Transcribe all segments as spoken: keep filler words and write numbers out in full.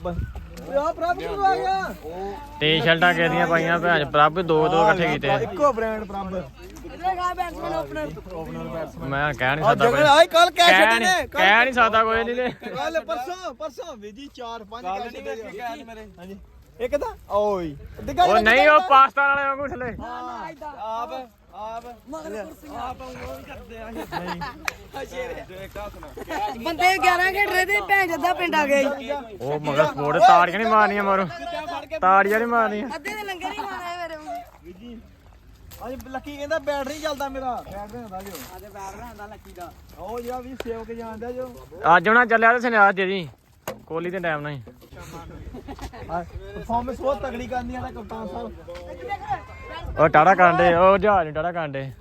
ਆ ਪ੍ਰਭ ਕਿਉਂ ਆ ਗਿਆ ਟੀ-ਸ਼ਰਟਾਂ ਕਿਹਦੀਆਂ ਪਾਈਆਂ ਭੈਣ ਪ੍ਰਭ ਦੋ ਦੋ ਇਕੱਠੇ ਕੀਤੇ ਇੱਕੋ ਬ੍ਰਾਂਡ ਪ੍ਰਭ ਬੈਟਸਮੈਨ ਓਪਨਰ ਮੈਂ ਕਹਿ ਨਹੀਂ ਸਕਦਾ ਕੋਈ ਆਈ ਕੱਲ ਕਹਿ ਕਹਿ ਛੱਡੇ ਨਹੀਂ ਨੇ ਕਹਿ ਨਹੀਂ ਸਕਦਾ ਕੋਈ ਨਹੀਂ ਤੇ ਕੱਲ ਪਰਸੋਂ ਪਰਸੋਂ ਵੀਜੀ ਚਾਰ ਪੰਜ ਕਹਿ ਛੱਡੇ ਮੇਰੇ ਹਾਂਜੀ ਇੱਕ ਤਾਂ ਓਏ ਉਹ ਨਹੀਂ ਉਹ ਪਾਕਿਸਤਾਨ ਵਾਲੇ ਵਾਂਗੂ ਥੱਲੇ ਆਪ ਆਪ ਮਗਰ ਕੁਰਸੀਆਂ ਆਪ ਉਹ ਕਰਦੇ ਆ ਨਹੀਂ ਬੰਦੇ ਗਿਆਰਾਂ ਖੇਡ ਰਹੇ ਤੇ ਭੈਣ ਜੱਦਾ ਪਿੰਡ ਆ ਗਏ ਉਹ ਮਗਰ ਸਪੋਰਟ ਤਾੜੀਆਂ ਨਹੀਂ ਮਾਰਨੀਆਂ ਮਾਰੋ ਤਾੜੀਆਂ ਨਹੀਂ ਮਾਰਨੀਆਂ ਅੱਧੇ ਦੇ ਲੰਗਰ ਹੀ ਖਾਣਾ ਮੇਰੇ ਵੀਜੀ ਅੱਜ ਲੱਕੀ ਕਹਿੰਦਾ ਬੈਟ ਨਹੀਂ ਚੱਲਦਾ ਮੇਰਾ ਬੈਟ ਨਹੀਂ ਹੁੰਦਾ ਜੋ ਅੱਜ ਬੈਟ ਰਹਿੰਦਾ ਲੱਕੀ ਦਾ ਉਹ ਜਿਹੜਾ ਵੀ ਸੇਵ ਕੇ ਜਾਂਦਾ ਜੋ ਅੱਜ ਉਹਨਾਂ ਚੱਲਿਆ ਤੇ ਸੁਨਿਆਰ ਦੇ ਜੀ ਕੋਹਲੀ ਦੇ ਟਾਈਮ ਨਾਲ ਹੀ ਪਰਫਾਰਮੈਂਸ ਬਹੁਤ ਤਗੜੀ ਕਰਨੀ ਆ ਤਾਂ ਕਪਤਾਨ ਸਾਹਿਬ ਉਹ ਟਾੜਾ ਕਾਂਡੇ ਉਹ ਜਹਾਜ਼ ਨੂੰ ਟਾੜਾ ਕਾਂਡੇ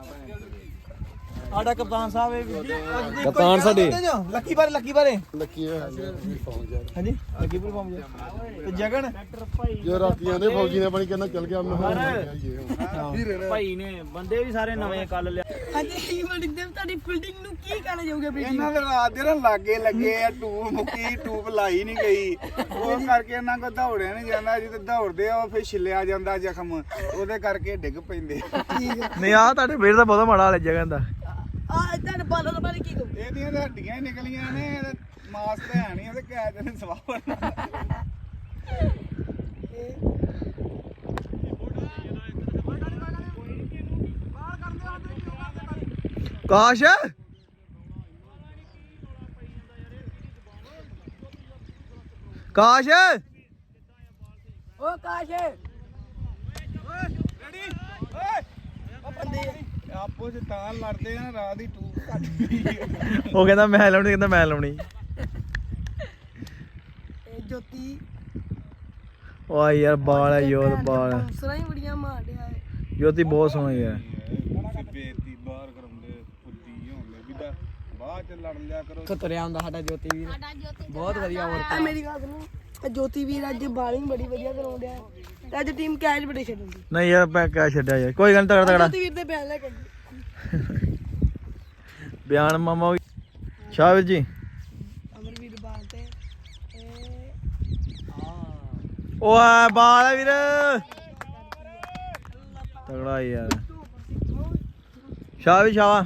ਸਾਡਾ ਕਪਤਾਨ ਸਾਹਿਬ ਇਹ ਵੀਰ ਜੀ ਕਪਤਾਨ ਸਾਡੇ। ਲੱਕੀ ਬਾਰੇ ਲੱਕੀ ਬਾਰੇ ਲੱਕੀ ਹਾਂਜੀ ਹਾਂਜੀ ਲੱਕੀ ਪਰਫਾਰਮ ਤੇ ਜਗਨ ਜੋ ਰਾਤੀਆਂ ਦੇ ਫੌਜੀ ਨੇ ਆਪਣੀ ਕਹਿੰਦਾ ਚੱਲ ਗਿਆ ਮੈਂ ਭਾਈ ਨੇ ਬੰਦੇ ਵੀ ਸਾਰੇ ਨਵੇਂ ਕੱਲ ਲਿਆ ਹਾਂਜੀ ਫੀਲਡਿੰਗ ਦੇ ਤੁਹਾਡੀ ਫੀਲਡਿੰਗ ਨੂੰ ਕੀ ਕਹਿਣਾ ਚਾਹੋਗੇ ਬੇਟੀ ਇਹਨਾਂ ਦੇ ਰਾਤ ਦੇ ਨਾ ਲਾਗੇ ਲੱਗੇ ਆ ਟੂਬ ਮੁੱਕੀ ਟੂਬ ਲਾਈ ਨਹੀਂ ਗਈ ਉਹ ਕਰਕੇ ਇਹਨਾਂ ਕੋ ਦੌੜਿਆ ਨਹੀਂ ਜਾਂਦਾ ਜਿੱਦ ਦੌੜਦੇ ਆ ਉਹ ਫਿਰ ਛਿੱਲਿਆ ਜਾਂਦਾ ਜ਼ਖਮ ਉਹਦੇ ਕਰਕੇ ਡਿੱਗ ਪੈਂਦੇ ਨਹੀਂ ਆ ਤੁਹਾਡੇ ਵੀਰ ਦਾ ਬਹੁਤ ਮਾੜਾ ਹਾਲ ਜਗਨ ਦਾ ਆ ਤੁਹਾਡੇ ਬਾਲਰ ਬਾਰੇ ਕੀ ਕਹੋ ਇਹਦੀਆਂ ਤਾਂ ਹੱਡੀਆਂ ਹੀ ਨਿਕਲੀਆਂ ਨੇ ਇਹਦਾ ਮਾਸ ਤੇ ਹੈ ਨਹੀਂ ਉਹਦੇ ਕੈਦ ਨੇ ਸਵਾਹ ਕਾਸ਼ ਕਾਸ਼ ਓ ਕਾਸ਼ ਆਪੋ ਚ ਤਾਂ ਲੜਦੇ ਆ ਰਾਤ ਦੀ ਟੂਬ ਕੱਟ ਗਈ ਉਹ ਕਹਿੰਦਾ ਮੈਂ ਲਾਉਣੀ ਕਹਿੰਦਾ ਮੈਂ ਲਾਉਣੀ ਇਹ ਜੋਤੀ ਓਏ ਯਾਰ ਬਾਲ ਹੈ ਯੋਧ ਬਾਲ ਸਰਾਂ ਹੀ ਬੜੀਆਂ ਮਾਰ ਰਿਹਾ ਹੈ ਜੋਤੀ ਬਹੁਤ ਸੋਹਣਾ ਯਾਰ ਬੇਇੱਜ਼ਤੀ ਬਾਹਰ ਕਰਾਉਂਦੇ ਪੁੱਤੀ ਹੋਣਗੇ ਵੀ ਤਾਂ ਬਾਅਦ ਚ ਲੜ ਲਿਆ ਕਰੋ ਤੁਰਿਆ ਹੁੰਦਾ ਸਾਡਾ ਜੋਤੀ ਵੀਰ ਬਹੁਤ ਵਧੀਆ ਆ ਮੇਰੀ ਗੱਲ ਸੁਣੋ ਇਹ ਜੋਤੀ ਵੀਰ ਅੱਜ ਬਾਲਿੰਗ ਬੜੀ ਵਧੀਆ ਕਰਾਉਂਦਾ ਹੈ ਤੇ ਅੱਜ ਟੀਮ ਕੈਚ ਬੜੇ ਛੱਡਦੀ ਨਹੀਂ ਯਾਰ ਮੈਂ ਕਹਿ ਛੱਡਿਆ ਯਾਰ ਕੋਈ ਗੱਲ ਨੀ, ਤਗੜਾ ਤਗੜਾ ਜੋਤੀ ਵੀਰ ਦੇ ਬਿਆਨ ਲੈ ਕੇ ਬਿਆਨ ਮਾਮਾ ਸ਼ਾਹ ਵੀਰ ਜੀ ਅਮਰਵੀਰ ਬਾਲ ਤੇ ਓਏ ਬਾਲ ਹੈ ਵੀਰ ਤਗੜਾ ਯਾਰ ਸ਼ਾਹ ਵੀ ਸ਼ਾਹ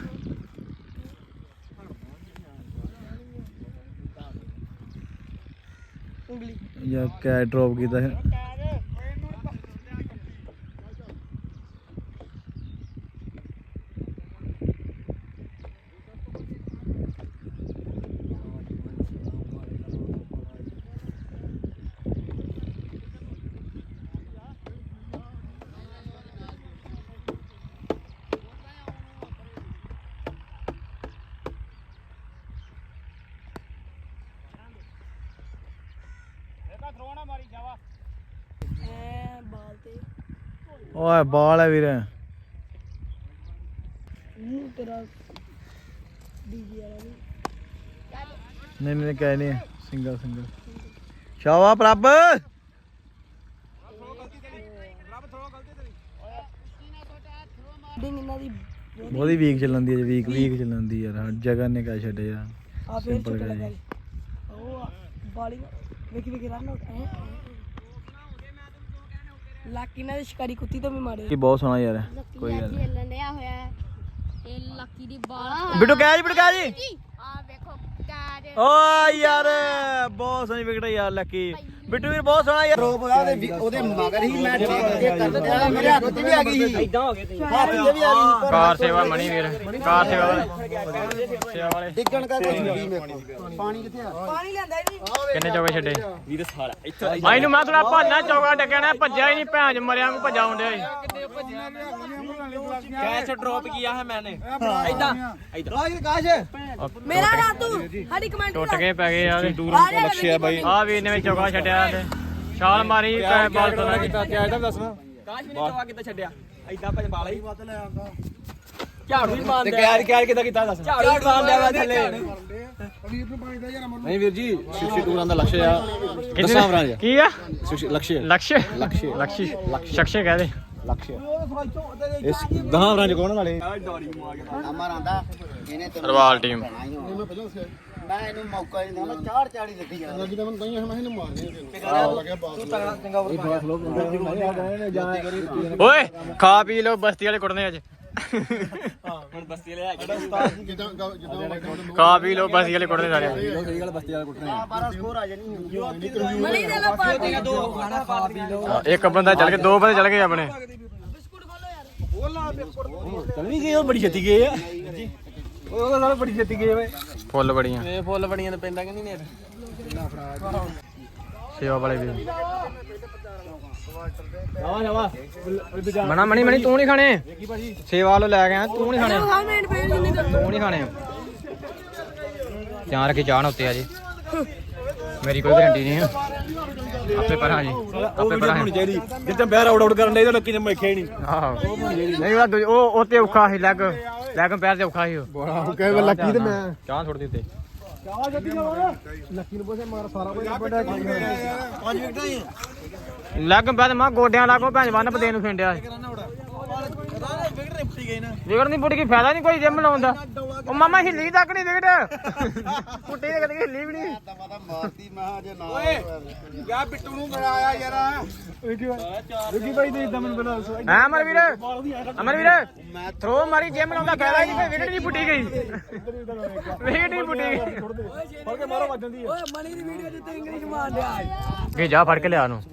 ਉਂਗਲੀ ਯਾਰ ਕੈਚ ਡ੍ਰੌਪ ਕੀਤਾ ਹੈ ਐ ਬਾਲ ਤੇ ਓਏ ਬਾਲ ਹੈ ਵੀਰ ਮੂੰਹ ਤੇਰਾ ਡੀਜੀ ਵਾਲਾ ਵੀ ਨਹੀਂ ਨਹੀਂ ਕਹਿ ਨਹੀਂ ਸਿੰਗਲ ਸਿੰਗਲ ਸ਼ਾਵਾ ਪ੍ਰਭ ਡਿੰਗ ਇਹਨਾਂ ਦੀ ਬਹੁਤੀ ਵੀਕ ਚੱਲਣ ਦੀ ਹੈ ਵੀਕ ਵੀਕ ਚੱਲਣ ਦੀ ਯਾਰ ਜਗਨ ਨੇ ਕਹਿ ਛੱਡਿਆ ਯਾਰ ਆ ਫੇਰ ਸਿੰਪਲ ਚੁੱਪ ਕਹਿ ਲੱਗਾ ਜੀ ਉਹ ਬਾਲਿੰਗ ਵੇਖੀ ਵੇਖੀ ਰਨ ਆਊਟ ਐ ਲੱਕੀ ਨਾਲ ਸ਼ਿਕਾਰੀ ਕੁੱਤੀ ਤੋਂ ਵੀ ਮਾਰੇ ਕੀ ਬਹੁਤ ਸੋਹਣਾ ਯਾਰ ਕੋਈ ਗੱਲ ਨਹੀਂ ਲੰਡਿਆ ਹੋਇਆ ਹੈ ਇਹ ਲੱਕੀ ਦੀ ਬਾਲ ਬਿੱਟੂ ਕਹਿ ਜੀ ਬਿੱਟੂ ਕਹਿ ਜੀ ਆ ਵੇਖੋ ਕੈਚ ਓ ਯਾਰ ਬਹੁਤ ਸੋਹਣੀ ਵਿਕਟ ਯਾਰ ਲੱਕੀ ਬਿੱਟੂ ਵੀਰ ਬਹੁਤ ਸੋਹਣਾ ਯਾਰ ਉਹਦੇ ਉਹਦੇ ਮਗਰ ਹੀ ਮੈਂ ਠੀਕ ਕੇ ਕਰ ਦਿਆ ਮੇਰੇ ਹੱਥ 'ਚ ਵੀ ਆ ਗਈ ਸੀ ਇਦਾਂ ਹੋ ਗਏ ਤੁਸੀਂ ਹੱਥ 'ਚ ਵੀ ਆ ਗਈ ਕਾਰ ਸੇਵਾ ਮਣੀ ਵੀਰ ਕਾਰ ਸੇਵਾ ਵਾਲੇ ਸੇਵਾ ਵਾਲੇ ਡਿੱਗਣ ਕਰਕੇ ਛੁੱਟੀ ਮੇਰੇ ਕੋਲ ਪਾਣੀ ਕਿੱਥੇ ਆ ਪਾਣੀ ਲੈਂਦਾ ਜੀ ਕਿੰਨੇ ਚੌਕੇ ਛੱਡੇ ਵੀਰ ਸਾਲਾ ਇੱਥੇ ਮੈਨੂੰ ਮੈਂ ਥੋੜਾ ਭਾਨਾ ਚੌਕਾ ਡੱਕਿਆ ਨਾ ਭੱਜਿਆ ਹੀ ਨਹੀਂ ਭੈਣ ਚ ਮਰਿਆ ਨੂੰ ਭੱਜਾ ਹੁੰਦਿਆ ਸੀ ਕੈਚ ਡ੍ਰੌਪ ਕੀਤਾ ਹੈ ਮੈਨੇ ਇਦਾਂ ਰਾਜ ਕਾਸ਼ ਮੇਰਾ ਨਾ ਤੂੰ ਸਾਡੀ ਕਮੈਂਟ ਟੁੱਟ ਕੇ ਪੈ ਗਏ ਯਾਰ ਲక్ష్య ਬਾਈ ਆ ਵੀਰ ਨੇ ਵਿੱਚ ਚੌਕਾ ਛੱਡਿਆ ਤੇ ਛਾਲ ਮਾਰੀ ਬਾਲ ਤੋਂ ਕਿਆ ਇਹਦਾ ਦੱਸਣਾ ਕਾਸ਼ ਵੀ ਚੌਕਾ ਕਿੱਦਾਂ ਛੱਡਿਆ ਐਦਾਂ ਭਜ ਬਾਲਾ ਹੀ ਵੱਧ ਲੈ ਆਂਦਾ ਝਾੜੂ ਵੀ ਮਾਰਦਾ ਤੇ ਕੈਚ ਕੈਚ ਕਿਦਾਂ ਕੀਤਾ ਦੱਸ ਝਾੜੂ ਵੀ ਮਾਰਦਾ ਵਾ ਥੱਲੇ ਵੀਰ ਨੂੰ ਪਾਣੀ ਦਾ ਯਾਰ ਅਮਰ ਨਹੀਂ ਵੀਰ ਜੀ ਬਾਸਠ ਰਨ ਦਾ ਲਕਸ਼ ਆ ਦਸਾਂ ਓਵਰਾਂ ਚ ਕੀ ਆ ਲਕਸ਼ ਲਕਸ਼ ਲਕਸ਼ ਲਕਸ਼ ਸ਼ਕਸ਼ੇ ਕਹਦੇ ਲਕਸ਼ ਇਸ ਦਸਾਂ ਓਵਰਾਂ ਚ ਕੋਣ ਵਾਲੇ ਅਮਰ ਆਂਦਾ ਇਹਨੇ ਸਰਵਾਲ ਟੀਮ ਮੈਂ ਇਹਨੂੰ ਮੌਕਾ ਹੀ ਨਹੀਂ ਦਿੰਦਾ ਚਾਰ ਚਾੜੀ ਦਿੱਤੀ ਜਾ ਲੱਗੀ ਤਾਂ ਮੈਂ ਤਾਂ ਮੈਂ ਇਹਨੂੰ ਮਾਰਨੇ ਤੈਨੂੰ ਲੱਗਿਆ ਬਾਸ ਓਏ ਖਾ ਪੀ ਲੋ ਬਸਤੀ ਵਾਲੇ ਕੁੱਟਨੇ ਅੱਜ ਹੁਣ ਬਸਤੀ ਲੈ ਜਿੱਦਾਂ ਜਿੱਦਾਂ ਖਾ ਪੀ ਲੋ ਬਸਤੀ ਵਾਲੇ ਕੁੱਟਨੇ ਸਾਰੇ ਸਹੀ ਗੱਲ ਬਸਤੀ ਵਾਲੇ ਕੁੱਟਣੇ ਬਾਰਾਂ ਸਕੋਰ ਆ ਜਾਣੀ ਮਣੀ ਦੇ ਲੋ ਪਾਰਟੀ ਦੋ ਖਾਣਾ ਖਾ ਪੀ ਲਓ ਹਾਂ, ਇੱਕ ਬੰਦਾ ਚੱਲ ਕੇ ਦੋ ਬੰਦੇ ਚੱਲ ਗਏ ਆਪਣੇ ਬਿਸਕੁਟ ਖੋਲੋ ਯਾਰ ਚੱਲ ਵੀ ਗਏ ਉਹ ਬੜੀ ਛੇਤੀ ਗਏ ਆ ਉਹ ਤਾਂ ਨਾਲ ਬੜੀ ਛੇਤੀ ਗਏ ਓਏ ਫੁੱਲ ਬੜੀਆਂ ਇਹ ਫੁੱਲ ਬੜੀਆਂ ਤੇ ਪੈਂਦਾ ਕਿ ਨਹੀਂ ਨੇਰ ਸੇਵਾ ਵਾਲੇ ਵੀ ਜਾਵਾ ਜਾਵਾ ਮਣਾ ਮਣੀ ਮਣੀ ਤੂੰ ਨਹੀਂ ਖਾਣੇ ਸੇਵਾ ਵਾਲੋ ਲੈ ਕੇ ਆ ਤੂੰ ਨਹੀਂ ਖਾਣੇ ਹਾਂ ਮਿੰਟ ਪਏ ਜਿੰਨੀ ਕਰ ਤੂੰ ਨਹੀਂ ਖਾਣੇ ਧਿਆਨ ਰੱਖੀ ਚਾਹਣ ਉੱਤੇ ਆ ਜੀ ਮੇਰੀ ਕੋਈ ਗਰੰਟੀ ਨਹੀਂ ਹੈ ਆਪੇ ਪਰਾਂ ਜੀ ਆਪੇ ਪਰਾਂ ਹੋਣੀ ਚਾਹੀਦੀ ਜਿੱਦਾਂ ਬਹਿਰ ਆਊਟ ਆਊਟ ਕਰਨ ਦੇ ਤਾਂ ਲੱਕੀ ਨੇ ਮੈਖਿਆ ਹੀ ਨਹੀਂ ਆਹੋ ਨਹੀਂ ਉਹ ਦੂਜੀ- ਉਹ ਉਹ ਤੇ ਔਖਾ ਸੀ ਲੈਗ ਲੈਗ ਪੈਰ ਤੇ ਔਖਾ ਸੀ ਉਹ ਬੜਾ ਕਹੇ ਵੇ ਲੱਕੀ ਤੇ ਮੈਂ ਚਾਹ ਛੋੜ ਦਿੱਤੇ ਲੱਕੀ ਨੂੰ ਪੁੱਛੇ ਮਾਰ ਸਾਰਾ ਕੁਝ ਵੱਡਾ ਪੰਜ ਵਿਕਟਾਂ ਹੀ ਲੈਗ ਪੈਰ ਮਾ ਗੋਡਿਆਂ ਲਾਗੋ ਭੈਣ ਵੰਨ ਪਦੇ ਨੂੰ ਫਿੰਡਿਆ ਪਤਾ ਨਹੀਂ ਵਿਕਟ ਰਿਪਟੀ ਗਈ ਨਾ ਵਿਗੜ ਨਹੀਂ ਪੁੱਟ ਕੀ ਫਾਇਦਾ ਨਹੀਂ ਕੋਈ ਜਿਮ ਲਾਉਣ ਦਾ ਉਹ ਮਾਮਾ ਹਿੱਲੀ ਤੱਕ ਨਹੀਂ ਵਿਗੜ ਪੁੱਟੀ ਤੇ ਕਦੇ ਹਿੱਲੀ ਵੀ ਨਹੀਂ ਪਤਾ ਮਾਰਦੀ ਮੈਂ ਜੇ ਨਾ ਓਏ ਯਾ ਬਿੱਟੂ ਨੂੰ ਕਰਾਇਆ ਯਾਰ ਰੁਕੀ ਭਾਈ ਦੇ ਇਦਾਂ ਮੈਨੂੰ ਬਣਾ ਦੱਸੋ ਹਾਂ ਅਮਰ ਵੀਰ ਅਮਰ ਵੀਰ ਥਰੋ ਮਾਰੀ ਜਿਮ ਲਾਉਂਦਾ ਫਾਇਦਾ ਹੀ ਨਹੀਂ ਕੋਈ ਵਿਗੜ ਨਹੀਂ ਪੁੱਟੀ ਗਈ ਵਿਗੜ ਨਹੀਂ ਪੁੱਟੀ ਗਈ ਫੜ ਕੇ ਮਾਰੋ ਵੱਜਣ ਦੀ ਓਏ ਮਣੀ ਦੀ ਵੀਡੀਓ ਜਿੱਤੇ ਇੰਗਲਿਸ਼ ਮਾਰ ਲਿਆ ਕਿ ਜਾ ਫੜ ਕੇ ਲਿਆ ਨੂੰ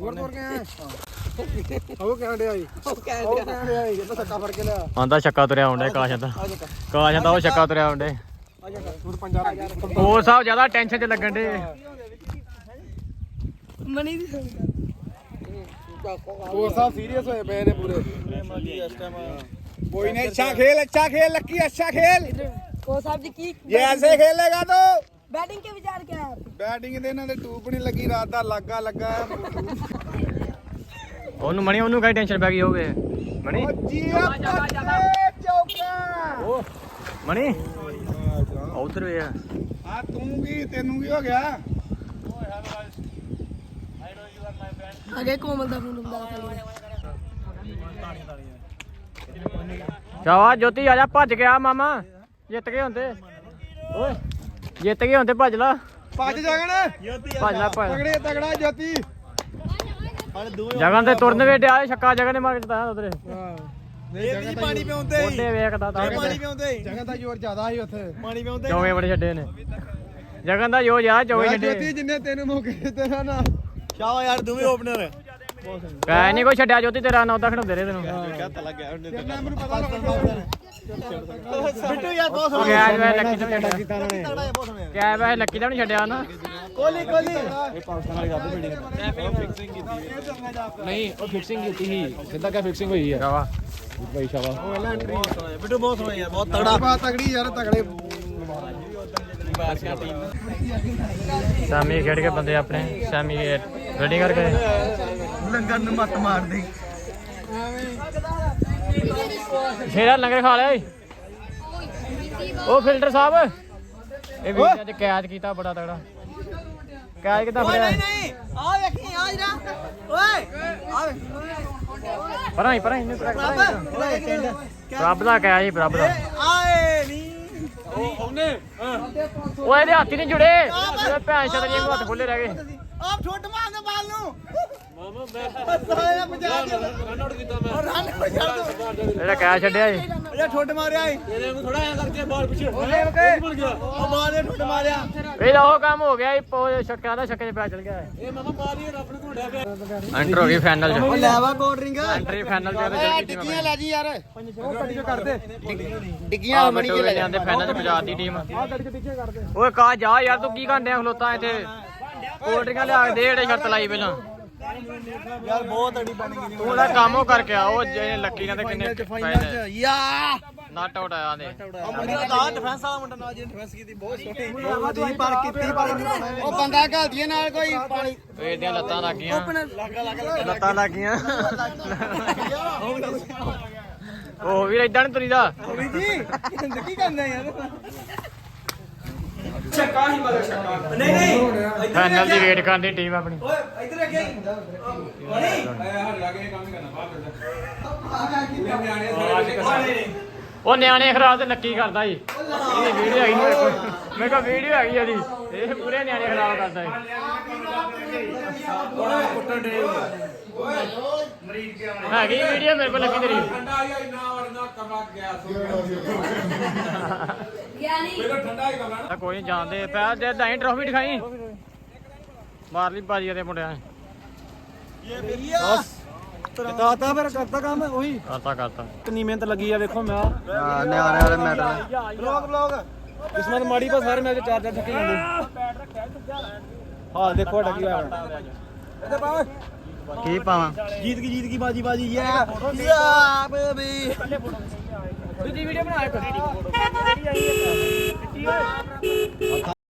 ਉਹ ਕਹਿਣ ਡਿਆ ਜੀ ਉਹ ਕਹਿ ਉਹ ਕਹਿਣ ਡਿਆ ਜੀ ਕਹਿੰਦਾ ਸੱਕਾ ਫੜ ਕੇ ਲਿਆ ਆਂਦਾ ਛੱਕਾ ਤੁਰਿਆ ਆਉਂਦਾ ਕਾਸ਼ ਦਾ ਕਾਸ਼ ਦਾ ਉਹ ਛੱਕਾ ਤੁਰਿਆ ਆਉਂਦਾ ਤੂੰ ਪੰਜਾਹ ਹੋਰ ਸਾਹਿਬ ਜ਼ਿਆਦਾ ਟੈਨਸ਼ਨ ਚ ਲੱਗਣ ਦੇ ਮਣੀ ਦੀ ਸੁਣ ਉਹ ਸਾਹਿਬ ਸੀਰੀਅਸ ਹੋਏ ਪਏ ਨੇ ਪੂਰੇ कोई नहीं अच्छा खेल अच्छा खेल लक्की अच्छा खेल ਕੋ ਸਾਹਿਬ ਜੀ ਕੀ ये ऐसे खेलेगा तो बैटिंग के विचार क्या है बैटिंग ਦੇ ਇਹਨਾਂ ਦੇ ਟੂਪ ਨਹੀਂ ਲੱਗੀ ਰਾਤ ਦਾ ਲੱਗਾ ਲੱਗਾ ਉਹਨੂੰ ਮਣੀ ਉਹਨੂੰ ਕਾਈ ਟੈਨਸ਼ਨ ਪੈ ਗਈ ਹੋਵੇ ਮਣੀ ਜੀਆ ਚੌਕਾ ਮਣੀ ਉਧਰ ਵੇ ਆ ਆ ਤੂੰ ਕੀ ਤੈਨੂੰ ਕੀ ਹੋ ਗਿਆ अगे कोमल दा फोन नंबर ਸ਼ਾਬਾਸ਼ ਜੋਤੀ ਆ ਜਾ ਭੱਜ ਗਿਆ ਮਾਮਾ ਜਿੱਤ ਗਏ ਹੁੰਦੇ ਓਏ ਜਿੱਤ ਗਏ ਹੁੰਦੇ ਭੱਜ ਲਾ ਭੱਜ ਜਾਗਣ ਭੱਜ ਲਾ ਭੱਜ ਤਗੜੇ ਤਗੜਾ ਜੋਤੀ ਜਗਨ ਤੇ ਤੁਰਨ ਵੇ ਡਿਆ ਛੱਕਾ ਜਗਨ ਨੇ ਮਾਰ ਕੇ ਦਿੱਤਾ ਉਧਰੇ ਇਹ ਵੀ ਪਾਣੀ ਪਿਉਂਦੇ ਉਹਦੇ ਵੇਖਦਾ ਤਾਂ ਪਾਣੀ ਪਿਉਂਦੇ ਜਗ੍ਹਾ ਦਾ ਜ਼ੋਰ ਜ਼ਿਆਦਾ ਸੀ ਉੱਥੇ ਪਾਣੀ ਪਿਉਂਦੇ ਚੌਵੇਂ ਬੜੇ ਛੱਡੇ ਨੇ ਜਗਨ ਦਾ ਜੋ ਜਾ ਚੌਵੇਂ ਛੱਡੇ ਜਿੰਨੇ ਤੈਨੂੰ ਮੌਕੇ ਦਿੱਤੇ ਨਾ ਨਾ ਸ਼ਾਬਾਸ਼ ਯਾਰ ਤੂੰ ਵੀ ਓਪਨਰ ਕੈ ਨਹੀਂ ਕੋਈ ਛੱਡਿਆ ਜੋਤੀ ਤੇਰਾ ਨਾਂ ਉਹਦਾ ਖੜਾਉਂਦੇ ਰਹੇ ਤੈਨੂੰ ਕਹਤਾ ਲੱਗ ਗਿਆ ਉਹਨੇ ਮੈਨੂੰ ਪਤਾ ਲੱਗਾ ਬਿੱਟੂ ਯਾਰ ਬਹੁਤ ਉਹ ਗਿਆ ਵੇ ਲੱਕੀ ਦਾ ਛੱਡਿਆ ਤਗੜਾ ਜਿਹਾ ਬਹੁਤ ਸੋਹਣਾ ਕਿਆ ਵੇ ਲੱਕੀ ਦਾ ਨਹੀਂ ਛੱਡਿਆ ਨਾ ਕੋਹਲੀ ਕੋਹਲੀ ਨਹੀਂ ਉਹ ਫਿਕਸਿੰਗ ਕੀਤੀ ਸੀ ਸਿੱਧਾ ਕਿਆ ਫਿਕਸਿੰਗ ਹੋਈ ਆ ਸ਼ਾਵਾ ਭਾਈ ਸ਼ਾਬਾਸ਼ ਬਿੱਟੂ ਬਹੁਤ ਸੋਹਣਾ ਯਾਰ ਬਹੁਤ ਤਗੜਾ ਬਾਤ ਤਗੜੀ ਯਾਰ ਤਗੜੇ ਸ਼ਾਮੀ ਖੇਡ ਕੇ ਬੰਦੇ ਆਪਣੇ ਸ਼ਾਮੀ ਰੈਡੀ ਕਰਕੇ ਲੰਗਰ ਨੂੰ ਮੱਤ ਮਾਰ ਦੇ ਸ਼ੇਰਾ ਲੰਗਰ ਖਾ ਲਿਆ ਓਏ। ਉਹ ਫਿਲਟਰ ਸਾਹਿਬ ਇਹ ਵੀਡੀਓ ਚ ਕੈਦ ਕੀਤਾ ਬੜਾ ਤਗੜਾ ਕੈਦ ਕਿੱਦਾਂ ਫੜਿਆ ਨਹੀਂ ਆ ਵੇਖੀ ਆ ਜਰਾ ਓਏ ਆ ਪਰਾਂ ਹੀ ਪਰਾਂ ਹੀ ਇਹਨੂੰ ਰੱਬ ਦਾ ਕਹਿਆ ਜੀ ਰੱਬ ਦਾ ਆਏ ਨਹੀਂ ਉਹ ਇਹਦੇ ਹੱਥ ਹੀ ਨਹੀਂ ਜੁੜੇ ਇਹ ਭੈਣ ਛਤਰੀ ਨੂੰ ਹੱਥ ਖੁੱਲੇ ਰਹਿ ਗਏ ਆਪ ਛੋਟ ਮਾਰਦੇ ਬਾਲ ਨੂੰ ਮਾਮਾ ਮੈਂ ਸਾਇਆ ਪੰਜਾਬ ਦੇ ਰਨ ਆਊਟ ਕੀਤਾ ਮੈਂ ਰਨ ਛੱਡ ਦੋ ਇਹਦਾ ਕਹਿਆ ਛੱਡਿਆ ਜੀ ਇਹ ਠੁੱਟ ਮਾਰਿਆ ਏ ਇਹਦੇ ਨੂੰ ਥੋੜਾ ਐ ਕਰਕੇ ਬਾਲ ਪਿੱਛੇ ਉਹਨੇ ਬਣ ਗਿਆ ਉਹ ਬਾਲ ਨੇ ਠੁੱਟ ਮਾਰਿਆ ਇਹਦਾ ਉਹ ਕੰਮ ਹੋ ਗਿਆ ਇਹ ਛੱਕਿਆ ਦਾ ਛੱਕੇ 'ਚ ਪੈ ਚਲ ਗਿਆ ਇਹ ਮਾਮਾ ਮਾਰੀ ਰੱਬ ਨੂੰ ਘੋੜਿਆ ਪਿਆ ਐਂਟਰ ਹੋ ਗਈ ਫਾਈਨਲ 'ਚ ਲੈਵਾ ਕੋਲਡ ਡਰਿੰਕ ਐਂਟਰੀ ਫਾਈਨਲ 'ਚ ਇਹਦੇ ਡਿੱਗੀਆਂ ਲੈ ਜੀ ਯਾਰ ਉਹ ਕੱਢ ਕੇ ਕਰਦੇ ਡਿੱਗੀਆਂ ਮਣੀ ਕੇ ਲੈ ਜਾਂਦੇ ਫਾਈਨਲ 'ਚ ਪੰਜਾਬ ਦੀ ਟੀਮ ਓਏ ਕਾ ਜਾ ਯਾਰ ਤੂੰ ਕੀ ਘੰਟਿਆਂ ਖਲੋਤਾ ਇੱਥੇ ਕੋਲਡ ਡਰਿੰਕਾਂ ਲਿਆ ਕੇ ਦੇ ਜਿਹੜੇ ਸ਼ਰਤ ਲਾਈ ਪਹਿਲਾਂ ਯਾਰ ਬਹੁਤ ਅੜੀ ਬਣ ਗਈ ਤੂੰ ਉਹਦਾ ਕੰਮ ਉਹ ਕਰਕੇ ਆ ਉਹ ਜਿਹੜੇ ਲੱਕੀ ਨਾਲ ਤੇ ਕਿੰਨੇ ਫਾਈਨਲ ਯਾ ਨਾਟ ਆਊਟ ਆਇਆ ਨੇ ਮੁੰਡਾ ਦਾ ਡਿਫੈਂਸ ਵਾਲਾ ਮੁੰਡਾ ਨਾਲ ਜਿਹਨੇ ਡਿਫੈਂਸ ਕੀਤੀ ਬਹੁਤ ਸੋਹਣੀ ਦੀ ਪਰ ਕੀਤੀ ਪਰ ਉਹ ਬੰਦਾ ਘਲਦੀ ਨਾਲ ਕੋਈ ਪਾਣੀ ਇਹਦੀਆਂ ਲੱਤਾਂ ਲੱਗ ਗਈਆਂ ਲੱਤਾਂ ਲੱਗ ਗਈਆਂ ਉਹ ਵੀਰ ਇਦਾਂ ਨਹੀਂ ਤੁਰੀਦਾ ਜੀ ਕੀ ਕਰਨਾ ਯਾਰ ਛੱਕਾ ਹੀ ਮਗਰ ਛੱਕਾ ਨਹੀਂ ਨਹੀਂ ਫਾਈਨਲ ਦੀ ਵੇਟ ਕਰਦੀ ਟੀਮ ਆਪਣੀ ਓਏ ਇੱਧਰ ਅੱਗੇ ਨਹੀਂ ਉਹ ਨਿਆਣੇ ਖਰਾਬ ਤੇ ਲੱਕੀ ਕਰਦਾ ਜੀ ਇਹਦੀ ਵੀਡੀਓ ਆਈ ਨੂੰ ਮੇਰੇ ਕੋਲ ਵੀਡੀਓ ਹੈਗੀ ਉਹਦੀ ਇਹ ਪੂਰੇ ਨਿਆਣੇ ਖਰਾਬ ਕਰਦਾ ਹੈ ਹੈਗੀ ਵੀਡੀਓ ਮੇਰੇ ਕੋਲ ਲੱਗੀ ਤੇਰੀ ਤਾਂ ਕੋਈ ਨਹੀਂ ਜਾਣਦੇ ਪੈ ਜੇ ਦਾਈ ਟਰੋਫੀ ਦਿਖਾਈ ਮਾਰ ਲਈ ਬਾਜੀ ਦੇ ਮੁੰਡਿਆਂ ਦਾਤਾ ਫਿਰ ਕਰਤਾ ਕੰਮ ਉਹੀ ਕਰਤਾ ਕਰਤਾ ਕਿੰਨੀ ਮਿਹਨਤ ਲੱਗੀ ਆ ਵੇਖੋ ਮੈਂ ਨਿਆਣੇ ਵਾਲੇ ਮੈਡਲ ਬਲੌਗ ਬਲੌਗ ਕਿਸਮਤ ਮਾੜੀ ਪਰ ਸਾਰੇ ਮੈਚ ਚਾਰ ਚਾਰ ਥੱਕੇ ਜਾਂਦੇ ਹਾਂ ਦੇਖੋ ਸਾਡਾ ਕੀ ਹੋਇਆ ਇਹਦੇ ਪਾ ਕੀ ਪਾਵਾਂ ਜੀਤ ਕੀ ਜੀਤ ਕੀ ਬਾਜੀ ਬਾਜੀ ਯਾ ਯਾ ਬੇਬੀ ਦੂਜੀ ਵੀਡੀਓ ਬਣਾ ਇੱਕ